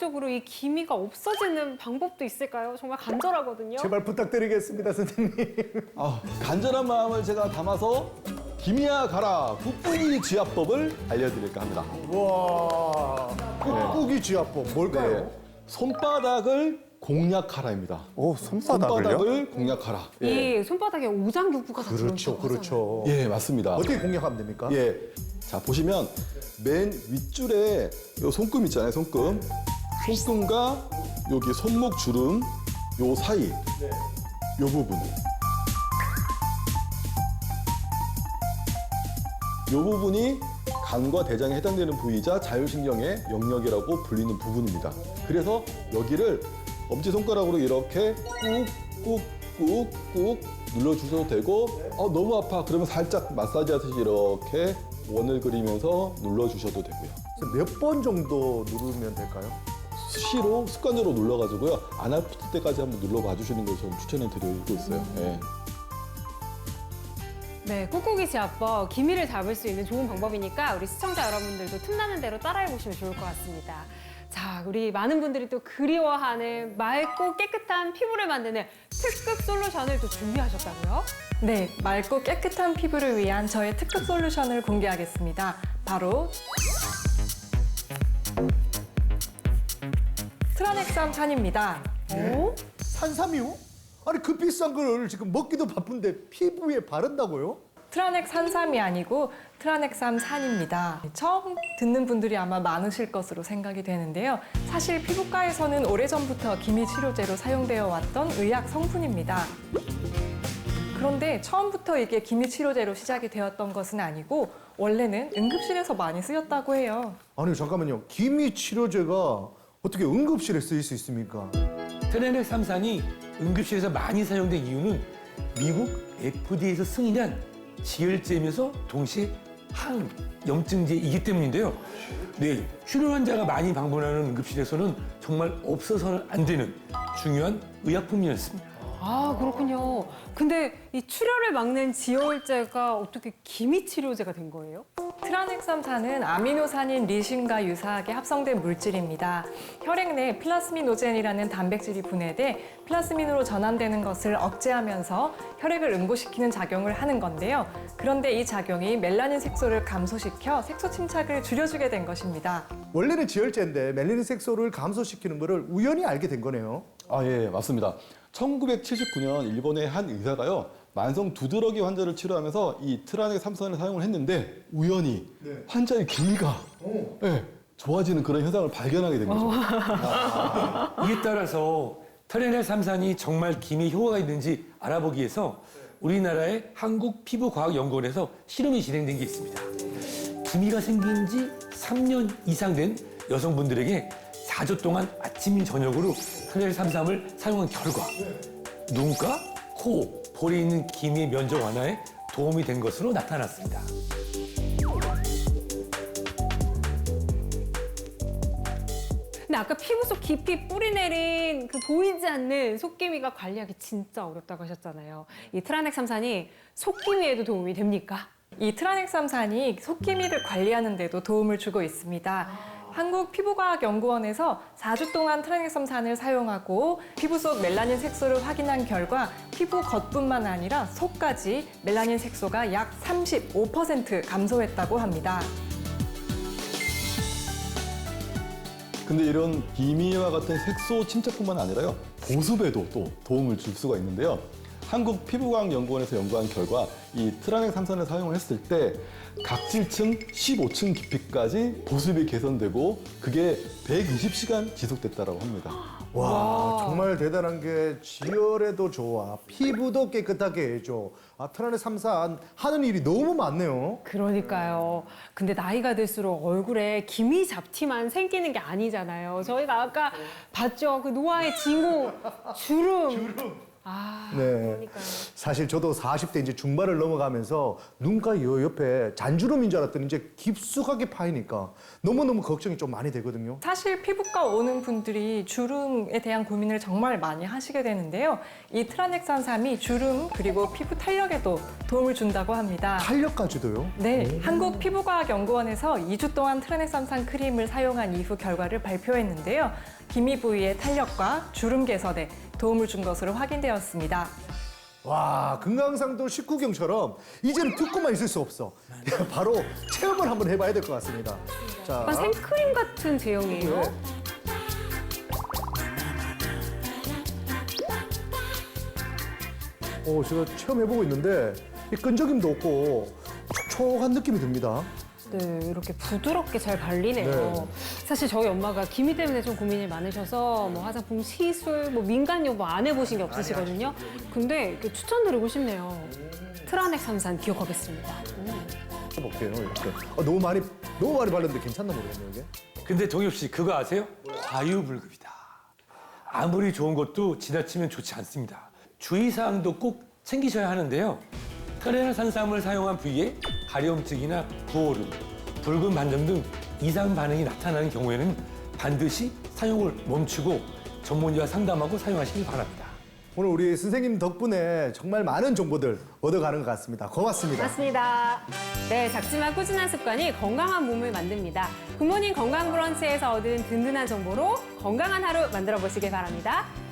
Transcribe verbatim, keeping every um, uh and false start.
의학적으로 이 기미가 없어지는 방법도 있을까요? 정말 간절하거든요. 제발 부탁드리겠습니다, 선생님. 아, 간절한 마음을 제가 담아서 기미야 가라 국분이 지압법을 알려드릴까 합니다. 와, 꾹꾹이 지압법 뭘까요? 네, 손바닥을 공략하라입니다. 오, 손바닥을요? 손바닥을 공략하라. 예, 이 손바닥에 오장육부가 다 그렇죠, 들어있다고 그렇죠. 예 맞습니다. 어떻게 공략하면 됩니까? 예, 자 보시면 맨 윗줄에 요 손금 있잖아요, 손금. 손금과 여기 손목 주름 요 사이 요 부분. 이 부분이 간과 대장에 해당되는 부위이자 자율신경의 영역이라고 불리는 부분입니다. 그래서 여기를 엄지손가락으로 이렇게 꾹꾹꾹꾹 눌러주셔도 되고 어, 너무 아파 그러면 살짝 마사지 하듯이 이렇게 원을 그리면서 눌러주셔도 되고요. 몇 번 정도 누르면 될까요? 수시로 습관적으로 눌러가지고요. 안 아플 때까지 한번 눌러봐 주시는 걸 저는 추천해 드리고 있어요. 예. 네, 꾹꾹이 지압법, 기미를 잡을 수 있는 좋은 방법이니까 우리 시청자 여러분들도 틈나는 대로 따라해보시면 좋을 것 같습니다. 자, 우리 많은 분들이 또 그리워하는 맑고 깨끗한 피부를 만드는 특급 솔루션을 또 준비하셨다고요? 네, 맑고 깨끗한 피부를 위한 저의 특급 솔루션을 공개하겠습니다. 바로 트라넥삼 산입니다. 오? 산삼이요? 아니 그 비싼 걸 지금 먹기도 바쁜데 피부에 바른다고요? 트라넥 산삼이 아니고 트라넥삼 산입니다. 처음 듣는 분들이 아마 많으실 것으로 생각이 되는데요. 사실 피부과에서는 오래전부터 기미 치료제로 사용되어 왔던 의약 성분입니다. 그런데 처음부터 이게 기미 치료제로 시작이 되었던 것은 아니고 원래는 응급실에서 많이 쓰였다고 해요. 아니 잠깐만요. 기미 치료제가 어떻게 응급실에 쓰일 수 있습니까? 트라넥삼산이 응급실에서 많이 사용된 이유는 미국 에프디에이에서 승인한 지혈제면서 동시에 항염증제이기 때문인데요. 네, 출혈 환자가 많이 방문하는 응급실에서는 정말 없어서는 안 되는 중요한 의약품이었습니다. 아, 그렇군요. 근데 이 출혈을 막는 지혈제가 어떻게 기미 치료제가 된 거예요? 트라넥삼산은 아미노산인 리신과 유사하게 합성된 물질입니다. 혈액 내 플라스미노젠이라는 단백질이 분해돼 플라스민으로 전환되는 것을 억제하면서 혈액을 응고시키는 작용을 하는 건데요. 그런데 이 작용이 멜라닌 색소를 감소시켜 색소 침착을 줄여주게 된 것입니다. 원래는 지혈제인데 멜라닌 색소를 감소시키는 거를 우연히 알게 된 거네요. 아, 예, 맞습니다. 천구백칠십구 년 일본의 한 의사가요. 만성 두드러기 환자를 치료하면서 이 트라넥삼산을 사용을 했는데 우연히 네. 환자의 기미가 예, 좋아지는 그런 현상을 발견하게 된 거죠. 이에 따라서 트라넥삼산이 정말 기미 효과가 있는지 알아보기 위해서 우리나라의 한국피부과학연구원에서 실험이 진행된 게 있습니다. 기미가 생긴 지 삼 년 이상 된 여성분들에게 사 주 동안 아침 저녁으로 트라넥삼산을 사용한 결과 눈가, 코, 볼에 있는 기미 면적 완화에 도움이 된 것으로 나타났습니다. 근데 아까 피부 속 깊이 뿌리 내린 그 보이지 않는 속기미가 관리하기 진짜 어렵다고 하셨잖아요. 이 트라넥삼산이 속기미에도 도움이 됩니까? 이 트라넥삼산이 속기미를 관리하는 데도 도움을 주고 있습니다. 한국피부과학연구원에서 사 주 동안 트라넥삼산을 사용하고 피부 속 멜라닌 색소를 확인한 결과 피부 겉뿐만 아니라 속까지 멜라닌 색소가 약 삼십오 퍼센트 감소했다고 합니다. 근데 이런 기미와 같은 색소 침착뿐만 아니라요. 보습에도 또 도움을 줄 수가 있는데요. 한국피부과학연구원에서 연구한 결과 이 트라넥삼산을 사용을 했을 때 각질층 십오 층 깊이까지 보습이 개선되고 그게 백이십 시간 지속됐다고 합니다. 와, 정말 대단한 게 지혈에도 좋아, 피부도 깨끗하게 해줘. 아, 트라넥삼산 하는 일이 너무 많네요. 그러니까요. 근데 나이가 들수록 얼굴에 기미 잡티만 생기는 게 아니잖아요. 저희가 아까 봤죠. 그 노화의 징후, 주름. 아, 네. 그러니까요. 사실 저도 사십 대 이제 중반을 넘어가면서 눈가 요 옆에 잔주름인 줄 알았더니 이제 깊숙하게 파이니까 너무너무 걱정이 좀 많이 되거든요. 사실 피부과 오는 분들이 주름에 대한 고민을 정말 많이 하시게 되는데요. 이 트라넥산삼이 주름 그리고 피부 탄력에도 도움을 준다고 합니다. 탄력까지도요? 네, 한국피부과학연구원에서 이 주 동안 트라넥산산 크림을 사용한 이후 결과를 발표했는데요. 기미 부위의 탄력과 주름 개선에 도움을 준 것으로 확인되었습니다. 와, 금강산도 식후경처럼 이제는 듣고만 있을 수 없어. 바로 체험을 한번 해봐야 될 것 같습니다. 자, 약간 생크림 같은 제형이에요. 네. 오, 제가 체험해보고 있는데 이 끈적임도 없고 촉촉한 느낌이 듭니다. 네, 이렇게 부드럽게 잘 발리네요. 네. 사실 저희 엄마가 기미 때문에 좀 고민이 많으셔서 뭐 화장품 시술, 뭐 민간 요법 안 해보신 게 없으시거든요. 근데 이렇게 추천드리고 싶네요. 트라넥삼산 기억하겠습니다. 음. 해볼게요, 이렇게. 아, 너무 많이 너무 많이 발랐는데 괜찮나 모르겠네요, 이게. 근데 동엽 씨 그거 아세요? 과유불급이다. 아무리 좋은 것도 지나치면 좋지 않습니다. 주의사항도 꼭 챙기셔야 하는데요. 트라넥산삼을 사용한 부위에 가려움증이나 부어름, 붉은 반점 등 이상 반응이 나타나는 경우에는 반드시 사용을 멈추고 전문의와 상담하고 사용하시기 바랍니다. 오늘 우리 선생님 덕분에 정말 많은 정보들 얻어가는 것 같습니다. 고맙습니다. 맞습니다. 네, 작지만 꾸준한 습관이 건강한 몸을 만듭니다. 굿모닝 건강 브런치에서 얻은 든든한 정보로 건강한 하루 만들어 보시길 바랍니다.